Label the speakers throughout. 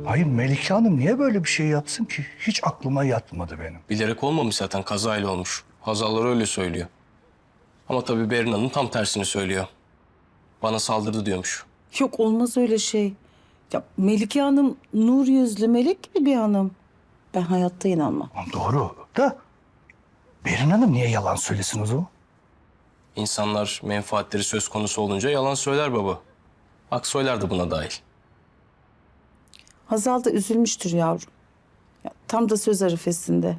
Speaker 1: Hayır, Melike Hanım niye böyle bir şey yapsın ki? Hiç aklıma yatmadı benim.
Speaker 2: Bilerek olmamış zaten, kazayla olmuş. Hazallar öyle söylüyor. Ama tabii Berin Hanım tam tersini söylüyor. Bana saldırdı diyormuş.
Speaker 3: Yok olmaz öyle şey. Ya Melike Hanım nur yüzlü melek gibi bir hanım. Ben hayatta inanmam.
Speaker 1: Doğru da Berin Hanım niye yalan söylesin o zaman?
Speaker 2: İnsanlar menfaatleri söz konusu olunca yalan söyler baba. Aksoylar da buna dahil.
Speaker 3: Hazal da üzülmüştür yavrum. Ya, tam da söz arifesinde.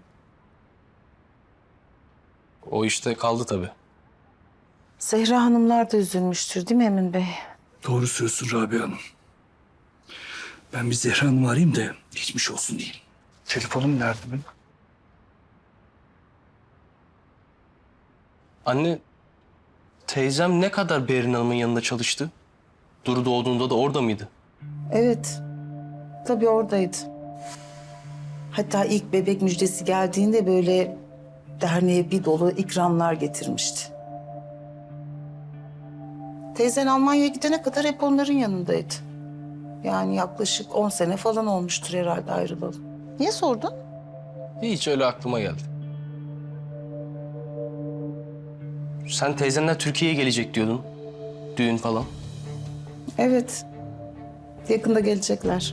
Speaker 2: O işte kaldı tabii.
Speaker 3: Zehra Hanımlar da üzülmüştür değil mi Emin Bey?
Speaker 1: Doğru söylüyorsun Rabia Hanım. Ben bir Zehra Hanım'ı arayayım da geçmiş olsun diyeyim. Telefonum nerede benim?
Speaker 2: Anne, teyzem ne kadar Berin Hanım'ın yanında çalıştı? Duru doğduğunda da orada mıydı?
Speaker 3: Evet. Tabii oradaydı. Hatta ilk bebek müjdesi geldiğinde böyle derneğe bir dolu ikramlar getirmişti. Teyzen Almanya'ya gidene kadar hep onların yanındaydı. Yani yaklaşık 10 sene falan olmuştur herhalde ayrılalı. Niye sordun?
Speaker 2: Hiç öyle aklıma geldi. Sen teyzenler Türkiye'ye gelecek diyordun. Düğün falan.
Speaker 3: Evet. Yakında gelecekler.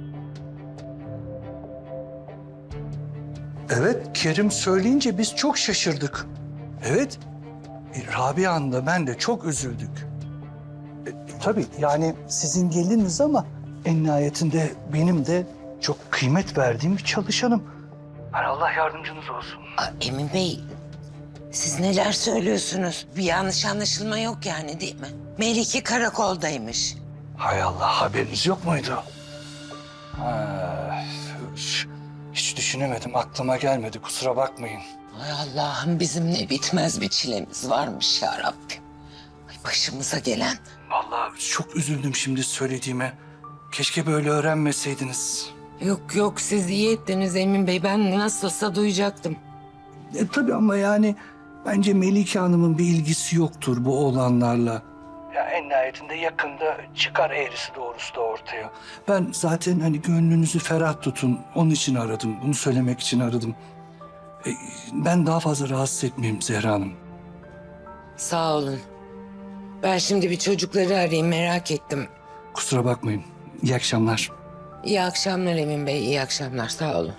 Speaker 1: Evet, Kerim söyleyince biz çok şaşırdık. Evet, Rabia Hanım da ben de çok üzüldük. Tabii yani sizin geliniz ama en nihayetinde benim de çok kıymet verdiğim bir çalışanım. Hani Allah yardımcınız olsun.
Speaker 4: Emin Bey, siz neler söylüyorsunuz? Bir yanlış anlaşılma yok yani değil mi? Melike karakoldaymış.
Speaker 1: Hay Allah, haberiniz yok muydu? Ha, hiç düşünemedim, aklıma gelmedi, kusura bakmayın.
Speaker 4: Ay Allah'ım, bizim ne bitmez bir çilemiz varmış ya Rabbim. Ay başımıza gelen.
Speaker 1: Vallahi çok üzüldüm şimdi söylediğime. Keşke böyle öğrenmeseydiniz.
Speaker 4: Yok yok, siz iyi ettiniz Emin Bey. Ben nasılsa duyacaktım.
Speaker 1: Tabii ama yani bence Melike Hanım'ın bir ilgisi yoktur bu olanlarla. Ya en nihayetinde yakında çıkar eğrisi doğrusu da ortaya. Ben zaten hani gönlünüzü ferah tutun. Onun için aradım. Bunu söylemek için aradım. Ben daha fazla rahatsız etmeyeyim Zehra Hanım.
Speaker 4: Sağ olun. Ben şimdi bir çocukları arayayım, merak ettim.
Speaker 1: Kusura bakmayın. İyi akşamlar.
Speaker 4: İyi akşamlar Emin Bey, iyi akşamlar. Sağ olun.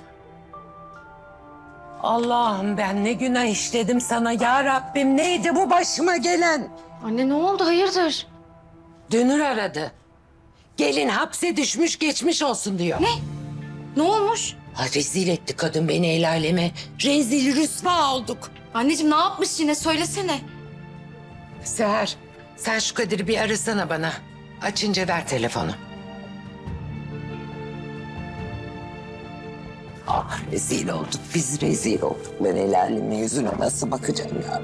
Speaker 4: Allah'ım, ben ne günah işledim sana ya Rabbim. Neydi bu başıma gelen?
Speaker 5: Anne ne oldu hayırdır?
Speaker 4: Dünür aradı. Gelin hapse düşmüş, geçmiş olsun diyor.
Speaker 5: Ne olmuş?
Speaker 4: Ha, rezil etti kadın beni el aleme. Rezil rüsva olduk.
Speaker 5: Anneciğim ne yapmış yine söylesene.
Speaker 4: Seher, sen şu Kadir'i bir arasana bana. Açınca ver telefonu. Ah, rezil olduk, biz rezil olduk. Ben el alemin yüzüne nasıl bakacağım ya?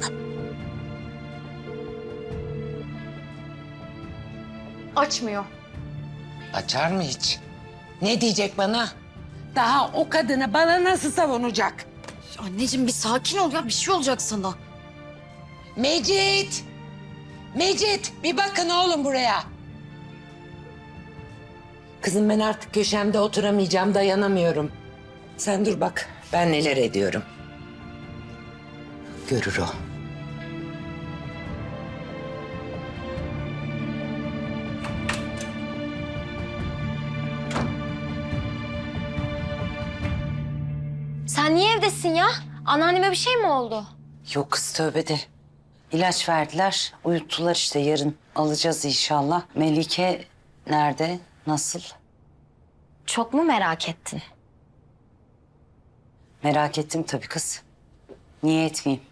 Speaker 5: Açmıyor.
Speaker 4: Açar mı hiç? Ne diyecek bana? Daha o kadını bana nasıl savunacak?
Speaker 5: Anneciğim bir sakin ol ya bir şey olacak sana.
Speaker 4: Mecit! Mecit, bir bakın oğlum buraya. Kızım, ben artık köşemde oturamayacağım, dayanamıyorum. Sen dur bak, ben neler ediyorum. Görür o.
Speaker 6: Sen niye evdesin ya? Anneanneme bir şey mi oldu?
Speaker 7: Yok kız, tövbe de. İlaç verdiler, uyuttular işte, yarın alacağız inşallah. Melike nerede, nasıl?
Speaker 6: Çok mu merak ettin?
Speaker 7: Merak ettim tabii kız. Niye etmeyeyim?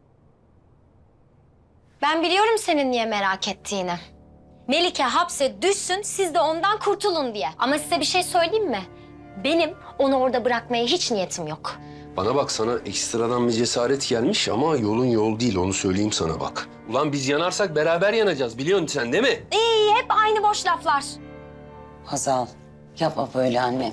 Speaker 6: Ben biliyorum senin niye merak ettiğini. Melike hapse düşsün, siz de ondan kurtulun diye. Ama size bir şey söyleyeyim mi? Benim onu orada bırakmaya hiç niyetim yok.
Speaker 8: Bana bak, sana ekstradan bir cesaret gelmiş ama yolun yol değil, onu söyleyeyim sana bak. Ulan biz yanarsak beraber yanacağız, biliyorsun sen değil mi?
Speaker 6: İyi, hep aynı boş laflar.
Speaker 7: Hazal, yapma böyle annem.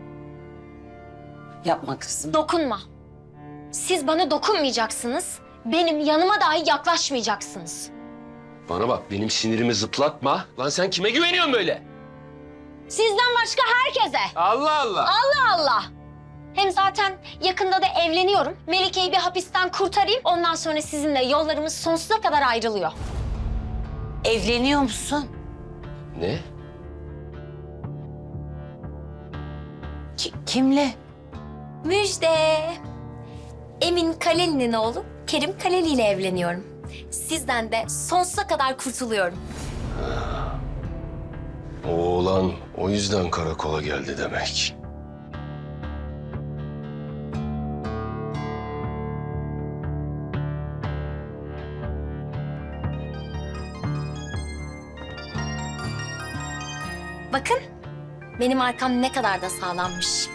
Speaker 7: Yapma kızım.
Speaker 6: Dokunma. Siz bana dokunmayacaksınız. Benim yanıma dahi yaklaşmayacaksınız.
Speaker 8: Bana bak, benim sinirimi zıplatma. Lan sen kime güveniyorsun böyle?
Speaker 6: Sizden başka herkese.
Speaker 8: Allah Allah.
Speaker 6: Allah Allah. Hem zaten yakında da evleniyorum. Melike'yi bir hapisten kurtarayım. Ondan sonra sizinle yollarımız sonsuza kadar ayrılıyor.
Speaker 7: Evleniyor musun?
Speaker 8: Ne?
Speaker 7: Kimle?
Speaker 6: Müjde. Emin Kaleli'nin oğlu Kerim Kaleli ile evleniyorum. Sizden de sonsuza kadar kurtuluyorum.
Speaker 8: O oğlan o yüzden karakola geldi demek.
Speaker 6: Bakın benim arkam ne kadar da sağlammış.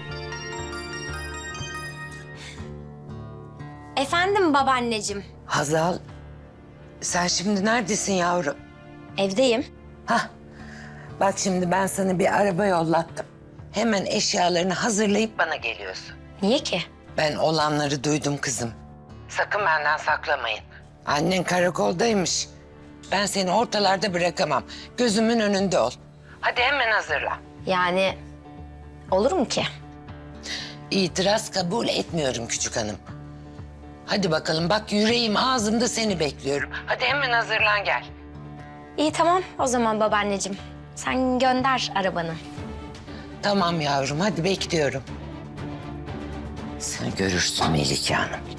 Speaker 6: Efendim babaanneciğim,
Speaker 4: Hazal, sen şimdi neredesin yavrum?
Speaker 6: evdeyim.
Speaker 4: Hah, bak şimdi ben sana bir araba yollattım. Hemen eşyalarını hazırlayıp bana geliyorsun.
Speaker 6: Niye ki?
Speaker 4: Ben olanları duydum kızım. Sakın benden saklamayın. Annen karakoldaymış. Ben seni ortalarda bırakamam. Gözümün önünde ol. Hadi hemen hazırla.
Speaker 6: Yani olur mu ki?
Speaker 4: İtiraz kabul etmiyorum küçük hanım. Hadi bakalım bak yüreğim ağzımda seni bekliyorum. Hadi hemen hazırlan gel.
Speaker 6: İyi tamam o zaman babaanneciğim. Sen gönder arabanı.
Speaker 4: Tamam yavrum hadi bekliyorum. Sen görürsün Melike Hanım.